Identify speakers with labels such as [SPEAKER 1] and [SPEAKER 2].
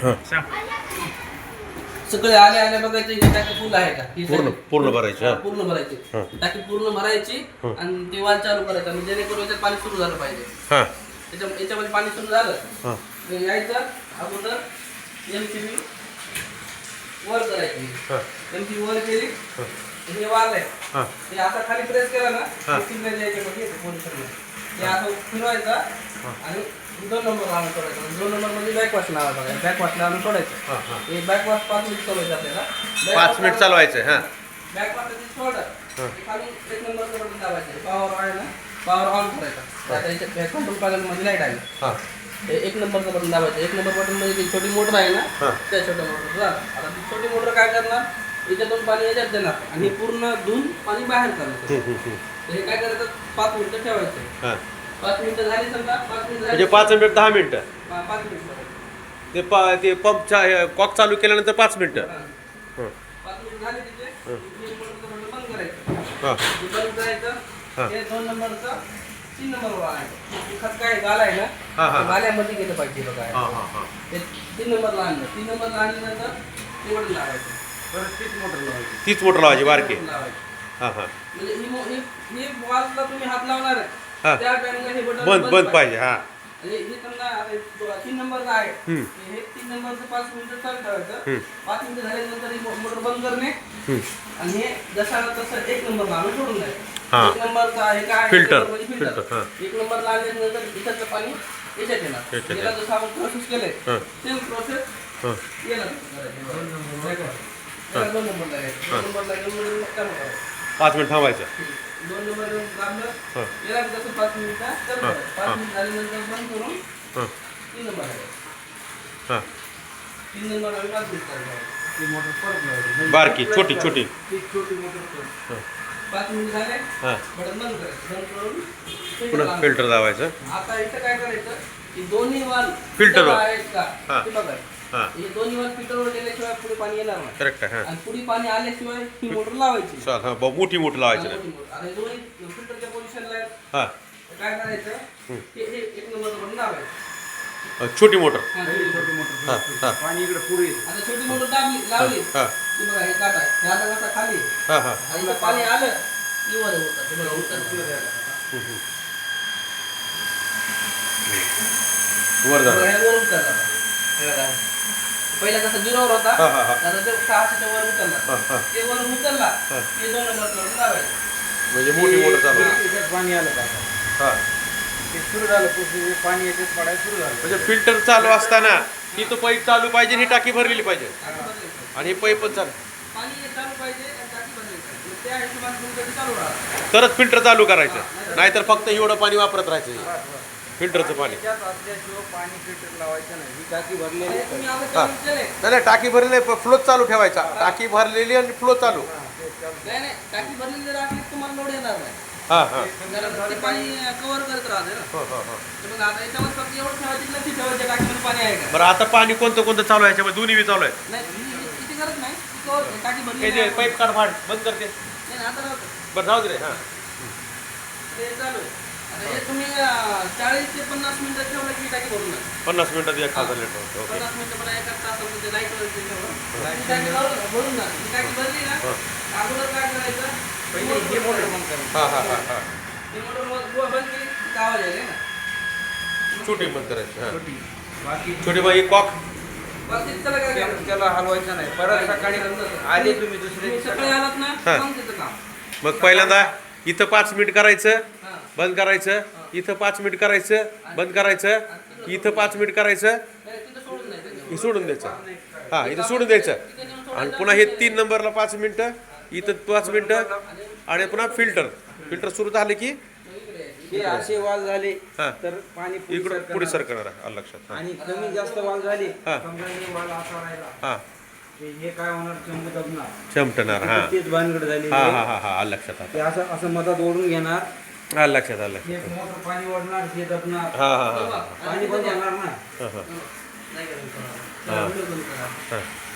[SPEAKER 1] हां
[SPEAKER 2] सगळे आले आले बघायचे ही टाकी फुल आहे का ही
[SPEAKER 1] पूर्ण
[SPEAKER 2] टाकी
[SPEAKER 1] पूर्ण भरायची हां
[SPEAKER 2] पूर्ण भरायची
[SPEAKER 1] हां.
[SPEAKER 2] टाकी पूर्ण भरायची आणि ती वाल चालू करायचा म्हणजे जेणेकरून याच्यात पाणी सुरू झालं पाहिजे.
[SPEAKER 1] हां
[SPEAKER 2] याच्यामध्ये पाणी सुरू झालं
[SPEAKER 1] हां
[SPEAKER 2] तर यायचं अगोदर एमसीबी वर करायची.
[SPEAKER 1] हां
[SPEAKER 2] एमसीबी वर केली
[SPEAKER 1] हां
[SPEAKER 2] हे वाल आहे
[SPEAKER 1] हां
[SPEAKER 2] हे आता खाली प्रेस केला ना
[SPEAKER 1] हां.
[SPEAKER 2] सिग्नल याच्यामध्ये पोझिशनला हे असं फिरवायचं आणि 2 नंबर लावून सोडायचं. 2 नंबर म्हणजे बॅकवॉश लावायचं बघा बॅकवॉश लावून सोडायचं.
[SPEAKER 1] हां हां
[SPEAKER 2] हे बॅकवॉश 5 मिनिट चालवायचं आपल्याला
[SPEAKER 1] 5 मिनिट चालवायचं हां
[SPEAKER 2] बॅकवॉश सोडलं खालून 1 नंबरचं बटन दाबायचं पॉवर आहे ना पॉवर ऑन करायचा. आता याच्यात कंट्रोल पॅनलमध्ये लाईट आहे
[SPEAKER 1] हां
[SPEAKER 2] हे 1 नंबरचं बटन दाबायचं. 1 नंबर बटन म्हणजे ती छोटी मोटर आहे ना
[SPEAKER 1] हां.
[SPEAKER 2] त्या छोट्या मोटर झालं. आता ती छोटी मोटर काय करणार याच्यातून पाणी याच्यात देणार आणि पूर्ण धुवून पाणी बाहेर करणार. तर हे काय करायचं 5 मिनिटं ठेवायचं.
[SPEAKER 1] हां
[SPEAKER 2] 5 मिनिटं झाली समजा 5 मिनिटं
[SPEAKER 1] म्हणजे
[SPEAKER 2] झाली
[SPEAKER 1] 5 मिनिट 10 मिनिटं
[SPEAKER 2] 5 मिनिटं
[SPEAKER 1] ते पंपचा कॉक चालू केल्यानंतर 5 मिनिटं हां
[SPEAKER 2] 5 मिनिटं झाली तिथे हे मोटरचं बटन बंद करायचं.
[SPEAKER 1] हां
[SPEAKER 2] हे बंद करायचं
[SPEAKER 1] हां.
[SPEAKER 2] हे 2 नंबरचं 3 नंबरवर आहे खत काय गाला आहे ना
[SPEAKER 1] हां, हां.
[SPEAKER 2] ते गाल्यामध्ये गेलं पाहिजे बघा
[SPEAKER 1] हां हां हां
[SPEAKER 2] ते 3 नंबरला आणलं 3 नंबरला आणल्यानंतर ते बटन लावायचं परत तीच मोटर लावायची.
[SPEAKER 1] तीच मोटर लावायची बारकी
[SPEAKER 2] बटन लावायची.
[SPEAKER 1] हां हां
[SPEAKER 2] म्हणजे ही वॉलला तुम्ही हात लावणार
[SPEAKER 1] हां.
[SPEAKER 2] आहे त्या टाइमला हे बटन
[SPEAKER 1] बंद पाहिजे हां
[SPEAKER 2] आणि हे समजा आता 3 नंबरचा आहे
[SPEAKER 1] हम्म.
[SPEAKER 2] हे 3 नंबरचं 5 मिनिटं चालू ठेवायचं.
[SPEAKER 1] हम्म.
[SPEAKER 2] 5 मिनिटं झाल्यानंतर ही मोटर बंद करणे
[SPEAKER 1] हम्म.
[SPEAKER 2] आणि हे जसा तसं 1 नंबरला आणून सोडून द्यायचं.
[SPEAKER 1] हां.
[SPEAKER 2] 1 नंबरचा आहे काय
[SPEAKER 1] फिल्टर.
[SPEAKER 2] फिल्टर
[SPEAKER 1] फिल्टर, हां.
[SPEAKER 2] 1 नंबरला आणल्यानंतर इथलं पाणी याच्यात येणार
[SPEAKER 1] याच्यात
[SPEAKER 2] याला जसं आपण प्रोसेस केलंय
[SPEAKER 1] हां.
[SPEAKER 2] सेम प्रोसेस
[SPEAKER 1] हां
[SPEAKER 2] याला करायची. याला 2 नंबरला आहे 2 नंबरला घेऊन काम करायचं.
[SPEAKER 1] 5 मिनिट थांबायचं
[SPEAKER 2] 2 नंबर दाबलं
[SPEAKER 1] हां
[SPEAKER 2] याला जसं 5 मिनिटं चालू
[SPEAKER 1] हां.
[SPEAKER 2] करायचं. 5 मिनिट झाल्यानंतर बंद करून
[SPEAKER 1] हां
[SPEAKER 2] 3 नंबर आहे
[SPEAKER 1] हां
[SPEAKER 2] 3 नंबर आम्ही 5 मिनिट चालू करायचं. ती मोटर परत लावायची.
[SPEAKER 1] बारकी छोटी छोटी
[SPEAKER 2] ती छोटी मोटर
[SPEAKER 1] हां
[SPEAKER 2] 5 मिनिट झाले
[SPEAKER 1] हां
[SPEAKER 2] बटन बंद करायचं. बंद करून filter
[SPEAKER 1] पुन्हा
[SPEAKER 2] लावायचं.
[SPEAKER 1] फिल्टर लावायचं
[SPEAKER 2] आता इथं काय करायचं की दोन्ही वाल
[SPEAKER 1] Filter वर.
[SPEAKER 2] आहेत का
[SPEAKER 1] हां.
[SPEAKER 2] ते बघायचं.
[SPEAKER 1] हां
[SPEAKER 2] हे दोन्ही वाल फिल्टरवर गेल्याशिवाय पुढे पाणी येणार नाही
[SPEAKER 1] करेक्ट आहे हां
[SPEAKER 2] आणि पुढे पाणी आल्याशिवाय ही मोटर लावायची.
[SPEAKER 1] चाल हां मोठी मोठी लावायची
[SPEAKER 2] आणि
[SPEAKER 1] नाही
[SPEAKER 2] मोठी मोटर. आणि दोन्ही फिल्टरच्या पोझिशनला आहेत.
[SPEAKER 1] हां
[SPEAKER 2] तर काय करायचं हे 1 नंबरचं बटन दाबायचं.
[SPEAKER 1] छोटी मोटर
[SPEAKER 2] हां, छोटी मोटर.
[SPEAKER 1] हां हां
[SPEAKER 3] पाणी इकडे पुढे येतं.
[SPEAKER 2] आता छोटी मोटर दाबली लावली
[SPEAKER 1] हां
[SPEAKER 2] की बघा हे काटा आहे हे आता कसा खाली आहे.
[SPEAKER 1] हां हां
[SPEAKER 2] आणि इथं पाणी आलं की वर होतं ते बघा उतरलं.
[SPEAKER 1] वर
[SPEAKER 2] बघा,
[SPEAKER 1] झालं
[SPEAKER 2] हे वर उतरलं आता. हे बघा. पहिला कसा 0 वर होता
[SPEAKER 1] हां हां हां
[SPEAKER 2] आता ते 600 वर उतरला
[SPEAKER 1] हां हां
[SPEAKER 2] ते वर उतरला
[SPEAKER 1] हां.
[SPEAKER 2] ते 2 नंबरचं लावायचं.
[SPEAKER 1] म्हणजे मोठी मोटर चालू आहे.
[SPEAKER 3] त्याच्यात पाणी आलं का आता?
[SPEAKER 1] हां
[SPEAKER 3] ते सुरू झालं पुढे पाणी याच्यात पडायला सुरू झालं.
[SPEAKER 1] म्हणजे फिल्टर चालू असताना ही तो पाईप चालू पाहिजे ही टाकी भरलेली पाहिजे
[SPEAKER 2] टाकी बदलायचं.
[SPEAKER 1] आणि ही पाईप पण चालू
[SPEAKER 2] पाणी चालू पाहिजे आणि टाकी बदलायची. मग त्या हिशोबाने तुमचं ते चालू राहतं.
[SPEAKER 1] तरच फिल्टर चालू करायचं नाहीतर फक्त एवढं पाणी वापरत राहायचं फिल्टरचं पाणी
[SPEAKER 3] त्याच्यात असल्याशिवाय पाणी फिल्टर लावायचं नाही. ही टाकी भरलेली
[SPEAKER 2] आणि
[SPEAKER 3] आहे.
[SPEAKER 2] तुम्ही आता
[SPEAKER 1] हां.
[SPEAKER 2] चालू केलंय.
[SPEAKER 1] नाही टाकी भरलेली फ्लो चालू ठेवायचा टाकी भरलेली आणि फ्लो चालू
[SPEAKER 2] नाही नाही टाकी भरलेली जर असली तर तुम्हाला लोड येणार नाही.
[SPEAKER 1] हां हां
[SPEAKER 2] कारण ते पाणी कव्हर करत राहते ना.
[SPEAKER 1] हो हो हो
[SPEAKER 2] तर मग आता याच्यावर फक्त एवढं ठेवायचं लक्ष ठेवायचं टाकीमध्ये पाणी आहे का
[SPEAKER 1] बरं आता पाणी कोणतं कोणतं चालू आहे याच्यामध्ये दोन्ही बी चालू आहे
[SPEAKER 2] नाही किती गरज नाही cover, टाकी
[SPEAKER 1] हे
[SPEAKER 2] भरलेली
[SPEAKER 1] जे
[SPEAKER 2] आहे.
[SPEAKER 1] पाईप काढ फाड बंद करते
[SPEAKER 2] नाही नाही, आता नव्हतं
[SPEAKER 1] बरं जाऊ दे रे हां
[SPEAKER 2] ते चालू आहे. आता हे तुम्ही 40 ते 50 मिनिटं ठेवलं की टाकी भरून जाईल.
[SPEAKER 1] 50 मिनिटात 1,000 लिटर ओके
[SPEAKER 2] 50 मिनिटं पण एका तासामध्ये लाईटवर ठेवलं ती टाकी भरून जाईल. ती टाकी भरली ना अगोदर काय करायचं
[SPEAKER 3] पहिले हे मोटर बंद करायचं.
[SPEAKER 1] हां हां हां हां
[SPEAKER 2] ती मोटर बंद केली की आवाज यायला ना.
[SPEAKER 1] छोटी बंद करायची हां
[SPEAKER 3] छोटी. बाकी
[SPEAKER 1] छोटी बाई कॉक
[SPEAKER 2] बस इतकं काय करायचं.
[SPEAKER 3] त्याला हलवायचं नाही. परत सकाळी आले तुम्ही दुसरे
[SPEAKER 2] तुम्ही सकाळी आलात ना
[SPEAKER 1] हां.
[SPEAKER 2] मग तिथं काम.
[SPEAKER 1] मग पहिल्यांदा इथं 5 मिनिट करायचं
[SPEAKER 2] हां.
[SPEAKER 1] बंद करायचं इथं 5 मिनिट करायचं बंद करायचं इथं 5 मिनिट करायचं
[SPEAKER 2] नाही, तिथं सोडून नाही तिथं.
[SPEAKER 1] हे सोडून द्यायचं हां इथं सोडून द्यायचं आणि पुन्हा हे 3 नंबरला 5 मिनिटं इथं 5 मिनिटं आणि पुन्हा फिल्टर सुरू झालं की
[SPEAKER 3] हे असे वाल झाले
[SPEAKER 1] हां.
[SPEAKER 3] तर पाणी पुढे
[SPEAKER 1] इकडं
[SPEAKER 3] सरकणार.
[SPEAKER 1] पुढे सरकणार आहे आलं लक्षात हां
[SPEAKER 3] आणि कमी जास्त वाल झाले
[SPEAKER 1] हां.
[SPEAKER 3] समजा हे वाल असा राहिला
[SPEAKER 1] हां
[SPEAKER 3] ते हे काय होणार चंब दबणार.
[SPEAKER 1] चमटणार हां
[SPEAKER 3] तेच भानगड झाली.
[SPEAKER 1] हां हां हां हां आलं लक्षात
[SPEAKER 3] ते असं असं मधात ओढून घेणार.
[SPEAKER 1] आलं लक्षात आलं
[SPEAKER 3] हे
[SPEAKER 1] लक्षात
[SPEAKER 3] मोटर पाणी ओढणार हे दबणार.
[SPEAKER 1] हां हां हां
[SPEAKER 2] बघा,
[SPEAKER 3] पाणी बंद होणार ना.
[SPEAKER 1] हां हां
[SPEAKER 2] नाही करायचं.
[SPEAKER 1] हां.
[SPEAKER 2] व्हिडिओ बंद करा.
[SPEAKER 1] हां